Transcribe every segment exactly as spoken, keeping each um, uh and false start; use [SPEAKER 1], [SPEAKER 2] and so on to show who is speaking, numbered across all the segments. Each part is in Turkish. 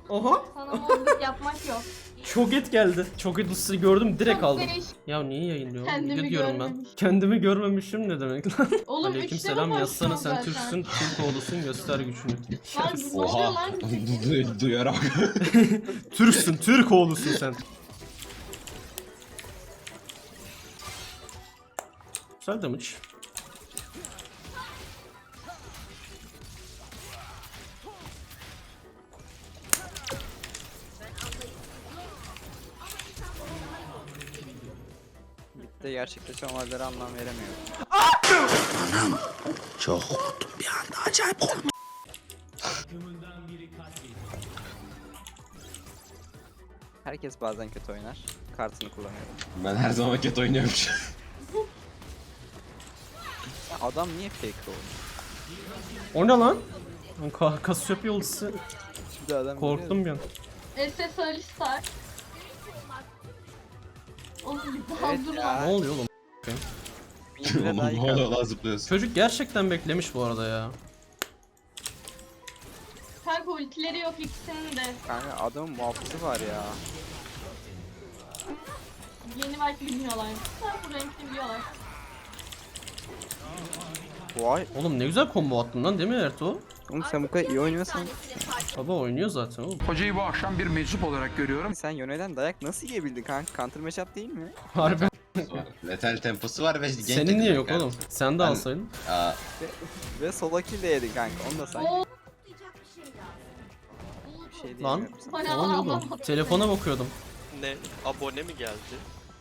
[SPEAKER 1] Oha.
[SPEAKER 2] Sana mobbing yapmak yok.
[SPEAKER 1] Çok et geldi. Çok et ısıyı gördüm direkt
[SPEAKER 2] Çok
[SPEAKER 1] aldım.
[SPEAKER 2] değişik.
[SPEAKER 1] Ya niye yayınlıyor?
[SPEAKER 2] Kendimi
[SPEAKER 1] Video diyorum ben.
[SPEAKER 2] görmemiş.
[SPEAKER 1] Kendimi görmemişim ne demek lan?
[SPEAKER 2] Oğlum
[SPEAKER 1] Aleyküm
[SPEAKER 2] üçte
[SPEAKER 1] selam
[SPEAKER 2] mi
[SPEAKER 1] yazsana
[SPEAKER 2] konuşuyorsun
[SPEAKER 1] sen
[SPEAKER 2] zaten?
[SPEAKER 1] Türksün, Türk oğlusun göster gücünü.
[SPEAKER 2] Lan
[SPEAKER 1] Yes.
[SPEAKER 2] ne oluyor
[SPEAKER 3] Oha.
[SPEAKER 2] lan?
[SPEAKER 3] Du- Duyarak.
[SPEAKER 1] Türksün, Türk oğlusun sen. Güzel damage.
[SPEAKER 4] de gerçekleşen olaylara anlam veremiyorum.
[SPEAKER 5] Çok korktum bir anda, acayip korktum.
[SPEAKER 4] Herkes bazen kötü oynar. Kartını kullanıyorum.
[SPEAKER 3] Ben her zaman kötü oynuyormuş.
[SPEAKER 4] Ya adam niye fake oynuyor?
[SPEAKER 1] O ne lan? Ka Kasiyop yolcusu.
[SPEAKER 4] Şimdi adam
[SPEAKER 1] Korktum bir an.
[SPEAKER 2] S S Alistar. Oğlum bir daha
[SPEAKER 4] Evet
[SPEAKER 2] dur
[SPEAKER 4] ya.
[SPEAKER 2] lan.
[SPEAKER 1] Ne oluyor oğlum?
[SPEAKER 4] Bilmiyorum.
[SPEAKER 3] Oğlum
[SPEAKER 4] Daha
[SPEAKER 3] ne
[SPEAKER 4] iyi
[SPEAKER 3] oluyor
[SPEAKER 4] kart.
[SPEAKER 3] lan zıplıyorsun.
[SPEAKER 1] Çocuk gerçekten beklemiş bu arada ya.
[SPEAKER 2] Kanka ultileri yok ikisinin de.
[SPEAKER 4] Kanka adamın muhafızı var ya.
[SPEAKER 2] Yeni belki bilmiyorlar. Sen bu renkli biliyorlar.
[SPEAKER 4] Vay.
[SPEAKER 1] Oğlum ne güzel combo attın lan değil mi Ertuğ?
[SPEAKER 4] Oğlum sen bu kadar iyi oynuyorsan
[SPEAKER 1] Baba oynuyor zaten oğlum.
[SPEAKER 5] Hocayı bu akşam bir meczup olarak görüyorum.
[SPEAKER 4] sen yöneden dayak nasıl yiyebildin kanka? Counter matchup değil mi?
[SPEAKER 1] Harbi.
[SPEAKER 3] Letal temposu var ve genç
[SPEAKER 1] Senin niye yok
[SPEAKER 3] kanka.
[SPEAKER 1] oğlum? Sen de
[SPEAKER 3] Ben-
[SPEAKER 1] alsaydın.
[SPEAKER 3] Aa,
[SPEAKER 4] Ve solo kill de yedin kanka. Onu da say.
[SPEAKER 2] Oo,
[SPEAKER 4] Bir şey
[SPEAKER 1] Lan.
[SPEAKER 4] diyemiyorum sana.
[SPEAKER 2] bayağı
[SPEAKER 1] Ne oluyor oğlum?
[SPEAKER 2] anlamadım.
[SPEAKER 1] Telefona bakıyordum.
[SPEAKER 6] Ne? Abone mi geldi?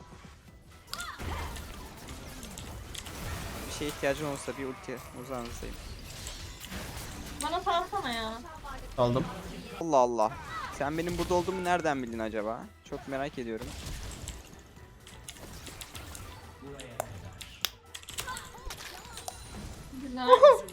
[SPEAKER 4] Bir şeye ihtiyacın olsa bir ulti uzağınızdayım.
[SPEAKER 2] Bana salsana ya.
[SPEAKER 1] Aldım.
[SPEAKER 4] Allah Allah. Sen benim burada olduğumu nereden bildin acaba? Çok merak ediyorum.
[SPEAKER 2] Güzel.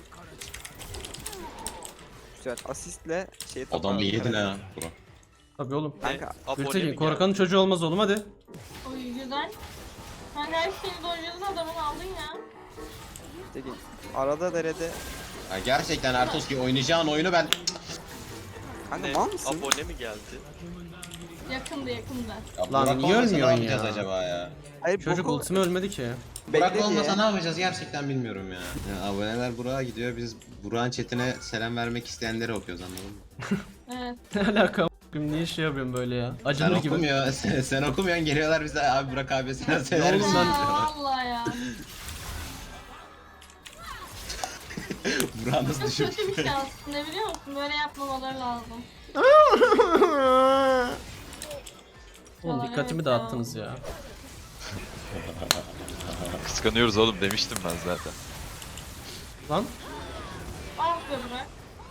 [SPEAKER 4] Güzel. Asistle şey
[SPEAKER 3] adam
[SPEAKER 4] toparladı
[SPEAKER 3] yedin
[SPEAKER 4] karakteri.
[SPEAKER 3] ha. Bro.
[SPEAKER 1] Tabii oğlum.
[SPEAKER 6] Ne?
[SPEAKER 4] Kanka,
[SPEAKER 6] Abone
[SPEAKER 1] Gültekin
[SPEAKER 6] mi
[SPEAKER 1] korkanın
[SPEAKER 6] geldi?
[SPEAKER 1] çocuğu olmaz oğlum hadi.
[SPEAKER 2] Oy güzel. Kanka her şeyi doyurdun adamın aldın ya.
[SPEAKER 4] Dedi. Arada derede.
[SPEAKER 3] Ha, gerçekten Ertoski oynayacağın oyunu ben...
[SPEAKER 4] Kanka
[SPEAKER 6] Ne?
[SPEAKER 4] mal mısın?
[SPEAKER 6] Abone mi geldi?
[SPEAKER 2] Yakındı yakındı.
[SPEAKER 3] Ya
[SPEAKER 1] Lan
[SPEAKER 3] Burak
[SPEAKER 1] niye
[SPEAKER 3] olmasa ne
[SPEAKER 1] ölmüyorsun
[SPEAKER 3] yapacağız
[SPEAKER 1] ya?
[SPEAKER 3] acaba ya?
[SPEAKER 4] Hayır
[SPEAKER 1] Çocuk
[SPEAKER 4] boku-
[SPEAKER 1] ultimi ölmedi ki.
[SPEAKER 3] Burak
[SPEAKER 4] Bekle
[SPEAKER 3] olmasa
[SPEAKER 4] diye.
[SPEAKER 3] ne yapacağız gerçekten bilmiyorum ya. ya. Aboneler Burak'a gidiyor, biz Burak'ın chatine selam vermek isteyenleri okuyoruz, anladın mı?
[SPEAKER 2] Evet.
[SPEAKER 1] Ne alaka a**ım, niye şey yapıyorum böyle ya?
[SPEAKER 3] Sen
[SPEAKER 1] Acınır gibi.
[SPEAKER 3] okumuyor, sen, sen okumuyorsun, geliyorlar bize abi Burak abi selam söyler
[SPEAKER 1] oğlum
[SPEAKER 3] misin?
[SPEAKER 1] ben-
[SPEAKER 2] Aa, vallahi ya.
[SPEAKER 3] Burak nasıl
[SPEAKER 2] Çok
[SPEAKER 3] düşün?
[SPEAKER 2] kötü bir şey aslında biliyor musun? Böyle yapmamaları lazım.
[SPEAKER 1] Oğlum
[SPEAKER 2] Ya,
[SPEAKER 1] dikkatimi
[SPEAKER 2] evet
[SPEAKER 1] dağıttınız ya.
[SPEAKER 7] Kıskanıyoruz oğlum demiştim ben zaten.
[SPEAKER 1] Lan.
[SPEAKER 2] Ah be bırak.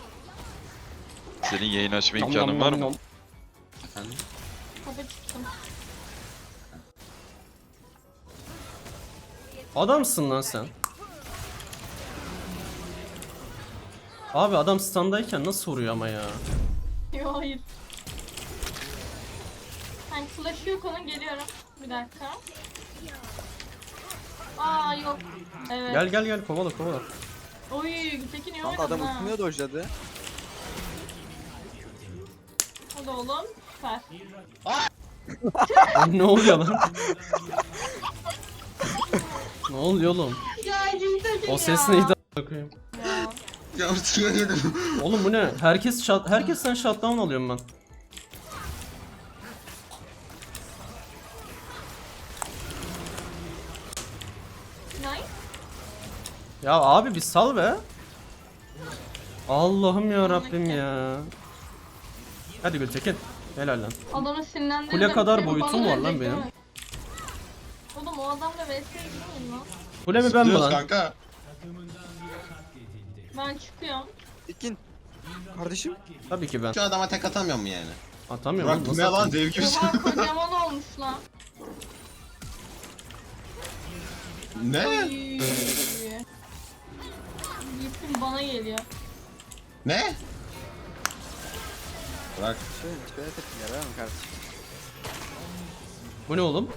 [SPEAKER 7] Senin yayın açma
[SPEAKER 1] Nom
[SPEAKER 7] imkanın
[SPEAKER 1] nom
[SPEAKER 7] var
[SPEAKER 1] nom
[SPEAKER 7] mı?
[SPEAKER 1] nom.
[SPEAKER 3] Efendim?
[SPEAKER 2] Kafa çıktım.
[SPEAKER 1] Adamsın lan sen. Abi adam standayken nasıl vuruyor ama ya?
[SPEAKER 2] Yo hayır. Hani flash'ı yok onun geliyorum. Bir dakika. Aa yok. Evet.
[SPEAKER 1] Gel gel gel kovala kovala.
[SPEAKER 2] Oy Gültekin iyi
[SPEAKER 4] Lan
[SPEAKER 2] oynadın
[SPEAKER 4] adam
[SPEAKER 2] ha.
[SPEAKER 4] ultimiye dojladı.
[SPEAKER 2] Hadi oğlum. Süper.
[SPEAKER 1] Lan ne oluyor lan? Ne oluyor oğlum?
[SPEAKER 2] Ya Gültekin
[SPEAKER 1] O ses
[SPEAKER 2] ya.
[SPEAKER 1] neydi a**ına koyayım?
[SPEAKER 2] Ya.
[SPEAKER 3] Ya ultiye yedim.
[SPEAKER 1] Oğlum bu ne? Herkes shut herkesten shutdown alıyorum ben.
[SPEAKER 2] Nice.
[SPEAKER 1] Ya abi bir sal be. Allah'ım ya Rabbim ya. Hadi Gültekin. Helal lan.
[SPEAKER 2] Adamı sinirlendirdim.
[SPEAKER 1] Kule kadar
[SPEAKER 2] Seni
[SPEAKER 1] boyutum
[SPEAKER 2] bana
[SPEAKER 1] var lan
[SPEAKER 2] verecek
[SPEAKER 1] benim.
[SPEAKER 2] değil mi? Oğlum o adamla V S'ye girmeyin lan.
[SPEAKER 1] Kule mi ben mi
[SPEAKER 3] Zıplıyoruz
[SPEAKER 1] lan?
[SPEAKER 3] kanka.
[SPEAKER 2] Ben çıkıyorum.
[SPEAKER 4] Tekin. Kardeşim.
[SPEAKER 1] Tabii ki ben.
[SPEAKER 3] Şu adama tek atamıyor mu yani?
[SPEAKER 1] Atamıyorum
[SPEAKER 3] Burak
[SPEAKER 1] lan.
[SPEAKER 3] bu
[SPEAKER 1] Nasıl
[SPEAKER 3] ne lan,
[SPEAKER 1] atayım?
[SPEAKER 3] dev gibi.
[SPEAKER 2] Oha kocaman olmuş lan.
[SPEAKER 3] Ne?
[SPEAKER 2] Oy. Gittim bana geliyor.
[SPEAKER 3] Ne? Burak.
[SPEAKER 4] Şöyle şöyle tepki yarar mı kardeşim?
[SPEAKER 1] Bu ne oğlum?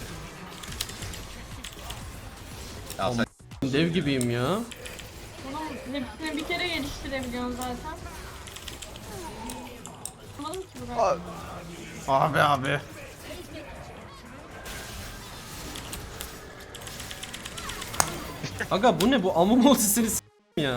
[SPEAKER 3] Ya sen
[SPEAKER 1] Dev gibiyim ya.
[SPEAKER 2] Bunun Hepsini bir kere geliştirebiliyorsun zaten. Anlamadım ki bu kadar.
[SPEAKER 1] Abi abi. Aga bu ne bu amum ultisini s*** ya.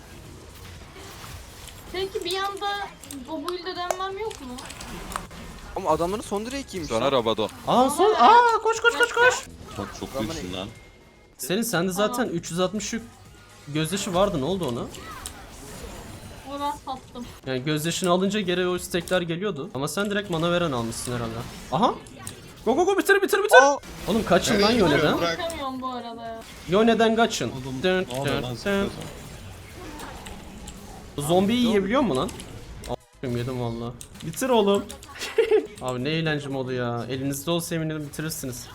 [SPEAKER 2] Peki bir anda o build'e dönmem yok mu?
[SPEAKER 4] Ama adamların son direği kimmiş
[SPEAKER 7] Sonra
[SPEAKER 4] lan?
[SPEAKER 7] Rabadon.
[SPEAKER 1] Aa son aa koş koş koş koş.
[SPEAKER 3] Çok çok büyüksün lan.
[SPEAKER 1] Senin sende zaten üç yüz altmış yük gözyaşı vardı, ne oldu ona?
[SPEAKER 2] Onu ben sattım.
[SPEAKER 1] Yani gözyaşını alınca geri o stekler geliyordu. Ama sen direkt mana veren almışsın herhalde. Aha. Go go go bitir bitir bitir.
[SPEAKER 4] Aa!
[SPEAKER 1] Oğlum kaçın lan Yone'den.
[SPEAKER 3] Bırak.
[SPEAKER 2] Çıkamıyorum bu arada ya.
[SPEAKER 1] Yone'den kaçın. Dön,
[SPEAKER 3] Ne oluyor
[SPEAKER 1] dön,
[SPEAKER 3] lan
[SPEAKER 1] dön.
[SPEAKER 3] sıkıyorsun?
[SPEAKER 1] Zombiyi yiyebiliyor mu lan? A**ım yedim valla. Bitir oğlum. Abi ne eğlence modu ya. Elinizde olsa eminim bitirirsiniz.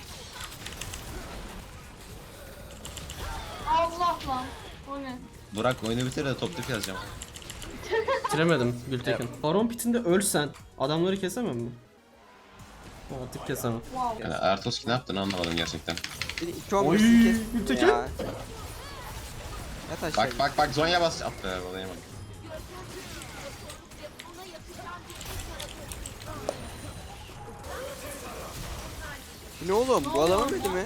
[SPEAKER 2] Allah lan. O ne?
[SPEAKER 3] Burak oyunu bitir de top tip yazacağım.
[SPEAKER 1] Bitiremedim Gültekin. Baron pitinde ölsen adamları kesemem mi? Artık kesemem.
[SPEAKER 2] Wow.
[SPEAKER 3] Yani Ertoski ne yaptın anlamadım gerçekten.
[SPEAKER 4] Beni iki on
[SPEAKER 1] Oy,
[SPEAKER 4] beşini kestin
[SPEAKER 1] Gültekin.
[SPEAKER 4] ya. Yat aşağı.
[SPEAKER 3] Bak bak bak Zonya bas. At be olayamadım.
[SPEAKER 4] Ne oğlum? Bu adam ölmedi mi?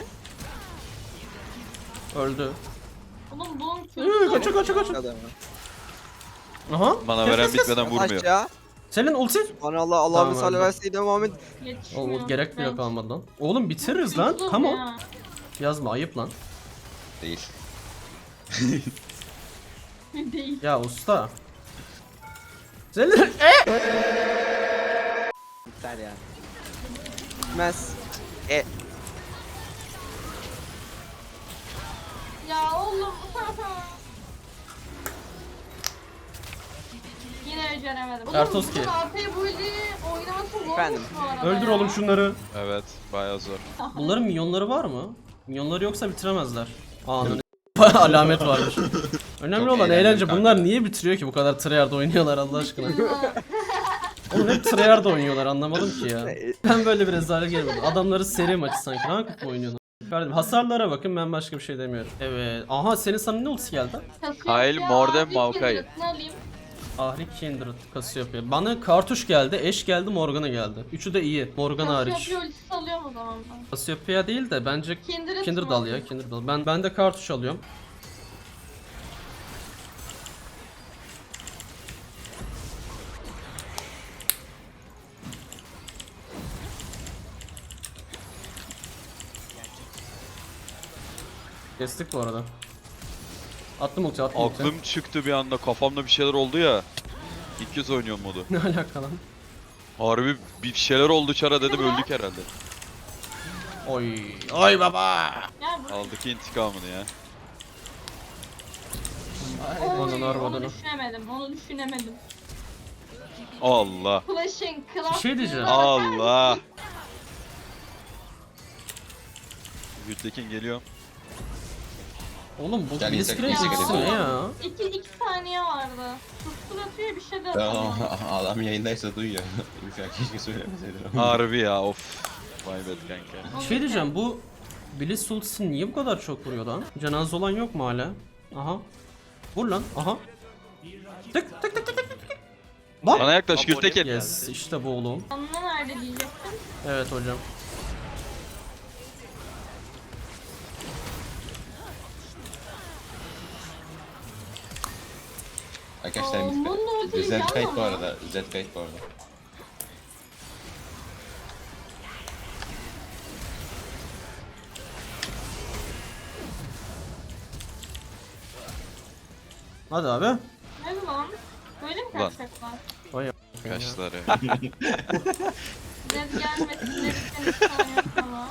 [SPEAKER 1] Öldü.
[SPEAKER 2] Oğlum bunun
[SPEAKER 1] Hı,
[SPEAKER 2] kötü.
[SPEAKER 1] kaçın kaçın kaçın.
[SPEAKER 4] Adamı.
[SPEAKER 1] Aha.
[SPEAKER 7] Mana
[SPEAKER 1] Kes,
[SPEAKER 7] veren
[SPEAKER 1] kes, kes.
[SPEAKER 7] bitmeden
[SPEAKER 4] Yat
[SPEAKER 7] vurmuyor.
[SPEAKER 4] aşağı.
[SPEAKER 1] Senin ulti.
[SPEAKER 4] Bana Allah Allah'ın
[SPEAKER 1] Tamam,
[SPEAKER 4] salli
[SPEAKER 1] öldü.
[SPEAKER 4] verseydi Muhammed.
[SPEAKER 2] Yetişmiyor.
[SPEAKER 1] O gerek bile
[SPEAKER 2] Ben-
[SPEAKER 1] kalmadı lan. Oğlum bitiririz lan.
[SPEAKER 2] Tutulur
[SPEAKER 1] Come on.
[SPEAKER 2] ya.
[SPEAKER 1] Yazma ayıp lan.
[SPEAKER 3] Değil.
[SPEAKER 2] Değil.
[SPEAKER 1] Ya usta. Senin e!
[SPEAKER 4] Biter yani. Bitmez. E.
[SPEAKER 2] Ya oğlum. Yine beceremedim. Oğlum
[SPEAKER 1] Ertoski.
[SPEAKER 2] bunun A P build'i oynaması zormuş
[SPEAKER 4] Efendim?
[SPEAKER 2] bu arada
[SPEAKER 1] Öldür
[SPEAKER 2] ya.
[SPEAKER 1] oğlum şunları.
[SPEAKER 7] Evet, bayağı zor.
[SPEAKER 1] Bunların minyonları var mı? Minyonları yoksa bitiremezler. Ananı alamet varmış. Önemli
[SPEAKER 3] Çok
[SPEAKER 1] olan
[SPEAKER 3] eğlendim
[SPEAKER 1] eğlence.
[SPEAKER 3] kanka.
[SPEAKER 1] Bunlar niye bitiriyor ki bu kadar tryhard oynuyorlar Allah aşkına? Oğlum hep tryhard oynuyorlar anlamadım ki ya. Ben böyle bir rezalet gelmedim. Adamları seri maçı sanki. Hangi kupa oynuyorlar? Kardeşim hasarlara bakın, ben başka bir şey demiyorum. Evet. Aha senin sana ne ultisi geldi?
[SPEAKER 7] Kyle, Mordem, Maokai.
[SPEAKER 2] Ne alayım?
[SPEAKER 1] Ahri Kindred Cassiopeia. Bana kartuş geldi, Eş geldi, Morgana geldi. Üçü de iyi. Morgana hariç.
[SPEAKER 2] Cassiopeia ultisi alıyorum o zaman ben.
[SPEAKER 1] Cassiopeia değil de bence
[SPEAKER 2] Kindred,
[SPEAKER 1] Kindred al ya, Kindred al. Ben ben de kartuş alıyorum. Kestik bu arada. Attım ulti, attım ulti.
[SPEAKER 7] Aklım çıktı bir anda, kafamda bir şeyler oldu ya. İlk kez oynuyorum modu.
[SPEAKER 1] Ne alaka lan?
[SPEAKER 7] Harbi bir şeyler oldu çara dedim, öldük herhalde.
[SPEAKER 1] Oy. Oy baba.
[SPEAKER 2] Gel buraya.
[SPEAKER 7] Aldık intikamını ya.
[SPEAKER 2] Oy,
[SPEAKER 1] Onun
[SPEAKER 2] onu
[SPEAKER 1] arvadını.
[SPEAKER 2] düşünemedim, onu düşünemedim.
[SPEAKER 7] Allah.
[SPEAKER 2] Flash'ın klas.
[SPEAKER 1] Bir şey diyeceğim.
[SPEAKER 7] Allah. Gültekin geliyor.
[SPEAKER 1] Oğlum bu
[SPEAKER 3] Gel
[SPEAKER 1] Blitzcrank
[SPEAKER 3] insek-
[SPEAKER 1] ikisi
[SPEAKER 3] insek-
[SPEAKER 1] ne ya?
[SPEAKER 2] İki, iki saniye vardı. Sustur atıyor bir şey de
[SPEAKER 3] Ya,
[SPEAKER 2] atıyor.
[SPEAKER 3] adam yayındaysa duyuyor. Uşak keşke söylemeseydim.
[SPEAKER 7] Harbi ya, of. Vay be kanka.
[SPEAKER 1] Bir şey diyeceğim, bu Blitz ultisi niye bu kadar çok vuruyor lan? Cenaze olan yok mu hala? Aha. Vur lan, aha. Tık tık tık tık tık tık. Bak.
[SPEAKER 7] Bana yaklaş
[SPEAKER 6] Abone
[SPEAKER 7] Gültekin.
[SPEAKER 1] Yes, işte bu oğlum.
[SPEAKER 2] Anla nerede diyecektim.
[SPEAKER 1] Evet hocam.
[SPEAKER 3] Arkadaşlar
[SPEAKER 2] Aa, bunun da ultiyi
[SPEAKER 3] Z kayıt bu
[SPEAKER 2] yanma.
[SPEAKER 3] arada. Z kayıt bu arada.
[SPEAKER 1] Hadi abi.
[SPEAKER 2] Ne bu lan? Böyle mi
[SPEAKER 7] Ulan.
[SPEAKER 2] kaçacaklar?
[SPEAKER 1] Vay
[SPEAKER 7] Kaşları.
[SPEAKER 2] Zed gelmesin dedik seni saniye sonra.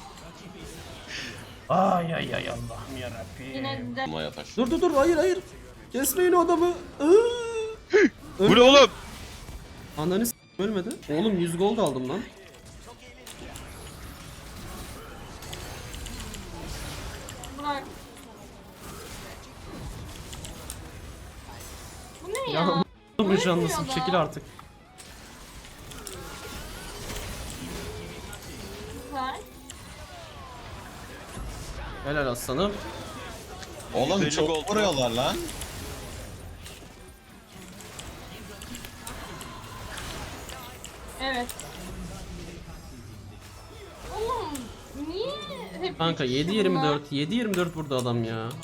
[SPEAKER 1] Ay ay ay Allah'ım yarabbim.
[SPEAKER 2] Yine de
[SPEAKER 3] Maya taş.
[SPEAKER 1] Dur dur dur, hayır hayır. Kesmeyin o adamı. Iıı.
[SPEAKER 7] Bu ne oğlum?
[SPEAKER 1] Ananı s*** ölmedi. Oğlum yüz gold aldım lan.
[SPEAKER 2] bırak. Bu ne ya?
[SPEAKER 1] Ya bu
[SPEAKER 2] Ölmüyor
[SPEAKER 1] canlısın,
[SPEAKER 2] da.
[SPEAKER 1] çekil artık.
[SPEAKER 2] Güzel.
[SPEAKER 1] Helal aslanım.
[SPEAKER 3] Oğlum
[SPEAKER 6] yüz elli
[SPEAKER 3] çok
[SPEAKER 6] gold.
[SPEAKER 3] vuruyorlar lan.
[SPEAKER 2] Evet. Oğlum niye hep
[SPEAKER 1] Kanka
[SPEAKER 2] üç kişi
[SPEAKER 1] yedi yirmi dört yedi yirmi dört burada adam ya.
[SPEAKER 2] bunlar?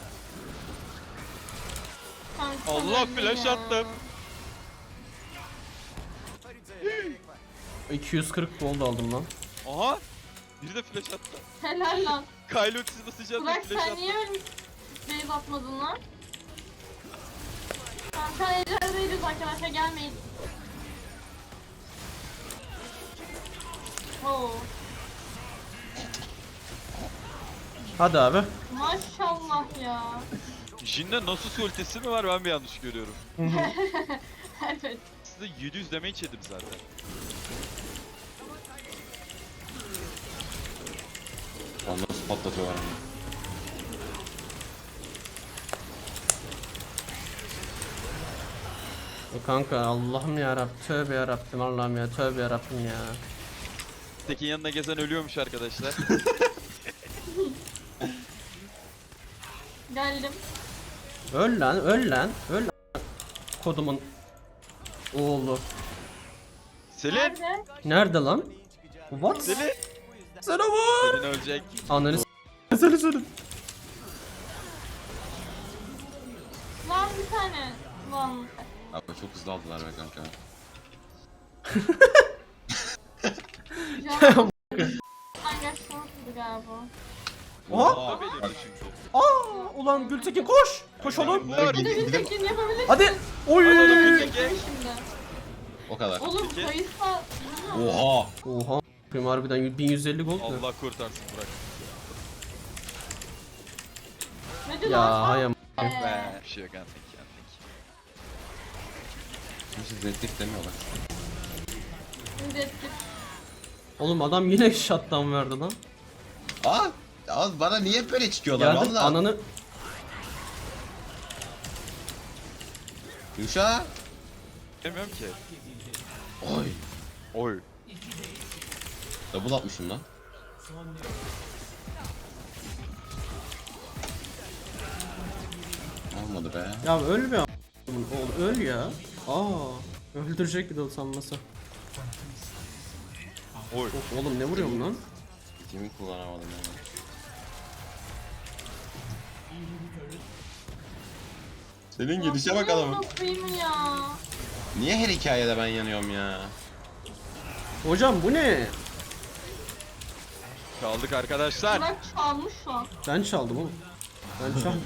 [SPEAKER 2] Kanka,
[SPEAKER 6] Allah,
[SPEAKER 2] öldüm
[SPEAKER 6] flash
[SPEAKER 2] ya.
[SPEAKER 6] attım.
[SPEAKER 1] iki yüz kırk gold aldım lan.
[SPEAKER 6] Aha. Biri de flash attı.
[SPEAKER 2] Helal lan.
[SPEAKER 6] Kylo ultisi basacağım da
[SPEAKER 2] Burak
[SPEAKER 6] flash
[SPEAKER 2] sen
[SPEAKER 6] attı.
[SPEAKER 2] niye öyle base atmadın lan? Kanka ejderdeyiz arkadaşlar, gelmeyin. Oo.
[SPEAKER 1] Hadi abi.
[SPEAKER 2] Maşallah ya.
[SPEAKER 7] Jin'de Nasus ultisi mi var ben mi yanlış görüyorum?
[SPEAKER 2] Evet.
[SPEAKER 7] Size yedi yüz damage yedim zaten.
[SPEAKER 3] Onu nasıl patlatıyorlar onu?
[SPEAKER 1] E kanka Allah'ım yarabbim, tövbe yarabbim, Allah'ım ya, tövbe yarabbim ya.
[SPEAKER 7] Tekin yanına gezen ölüyormuş arkadaşlar.
[SPEAKER 2] Geldim.
[SPEAKER 1] Öl lan, öl lan, öl lan. Kodumun oğlu.
[SPEAKER 7] Selin!
[SPEAKER 2] Nerede?
[SPEAKER 1] Nerede lan? What?
[SPEAKER 7] Selin!
[SPEAKER 1] Sana vur.
[SPEAKER 7] Selin ölecek.
[SPEAKER 1] Ananı s***. Seni seni.
[SPEAKER 2] Lan bir tane. Lan.
[SPEAKER 3] Abi çok hızlı aldılar be kanka.
[SPEAKER 2] Can. Anlaşılmıştı galiba.
[SPEAKER 1] Oha.
[SPEAKER 7] O belirdi çünkü.
[SPEAKER 1] Aa, ulan Gültekin koş. Koş oğlum.
[SPEAKER 3] Bunlar
[SPEAKER 2] Bir de
[SPEAKER 3] gidip
[SPEAKER 2] bir
[SPEAKER 3] gidip
[SPEAKER 2] tekin yapabilirsin.
[SPEAKER 1] Hadi. Oy.
[SPEAKER 2] Şimdi.
[SPEAKER 3] o kadar.
[SPEAKER 2] Oğlum
[SPEAKER 6] Peki.
[SPEAKER 2] Kayıs'la...
[SPEAKER 3] Oha.
[SPEAKER 1] Oha. Benim harbiden bin yüz elli gold ne?
[SPEAKER 7] Allah kurtarsın Burak.
[SPEAKER 2] Ne diyor
[SPEAKER 1] Ya
[SPEAKER 2] lan?
[SPEAKER 1] hayam.
[SPEAKER 2] Ee,
[SPEAKER 7] Be. Bir şey yok antik antik.
[SPEAKER 3] Hiç zeddik demiyorlar.
[SPEAKER 2] Şimdi ettik.
[SPEAKER 1] Oğlum adam yine shutdown verdi lan.
[SPEAKER 3] Aa! Az bana niye böyle çıkıyorlar
[SPEAKER 1] Geldik
[SPEAKER 3] valla?
[SPEAKER 1] ananı.
[SPEAKER 3] Yuşa.
[SPEAKER 7] Bilmiyorum ki.
[SPEAKER 3] Oy.
[SPEAKER 7] Oy.
[SPEAKER 3] Double atmışım lan. Olmadı be.
[SPEAKER 1] Ya ölme a**. Oğlum öl ya. Aa. Öldürecek bir de sanması.
[SPEAKER 7] Oy.
[SPEAKER 1] Of, oğlum ne vuruyorum lan?
[SPEAKER 3] Kimi kullanamadım yani. Senin gidişe bak adamın.
[SPEAKER 2] Nasıl ya?
[SPEAKER 3] Niye her hikayede ben yanıyorum ya?
[SPEAKER 1] Hocam bu ne?
[SPEAKER 7] Kaldık arkadaşlar.
[SPEAKER 2] Burak çalmış lan.
[SPEAKER 1] Ben çaldım oğlum. Ben çaldım.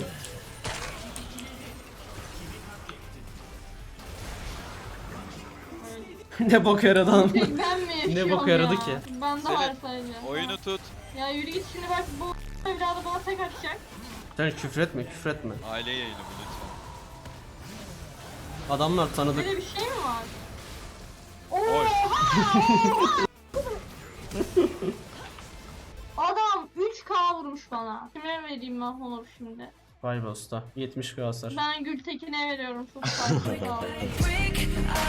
[SPEAKER 1] Ne bok yaradı lan.
[SPEAKER 2] Tek ben mi yaşıyorum
[SPEAKER 1] bok yaradı
[SPEAKER 2] ya?
[SPEAKER 1] ki?
[SPEAKER 2] Bende
[SPEAKER 7] Selin,
[SPEAKER 2] var sadece.
[SPEAKER 7] Oyunu tut.
[SPEAKER 2] Ya yürü git şimdi, bak bu evladı bana tek atacak.
[SPEAKER 1] Sen küfretme küfretme.
[SPEAKER 7] Aile yayını bu lütfen.
[SPEAKER 1] Adamlar tanıdık.
[SPEAKER 2] Böyle bir şey mi var?
[SPEAKER 7] Oy.
[SPEAKER 2] Adam üç K vurmuş bana. Kime vereyim ben Honor şimdi?
[SPEAKER 1] Vay be usta. yetmiş k hasar.
[SPEAKER 2] Ben Gültekin'e veriyorum, çok farklı kaldı.
[SPEAKER 8] break.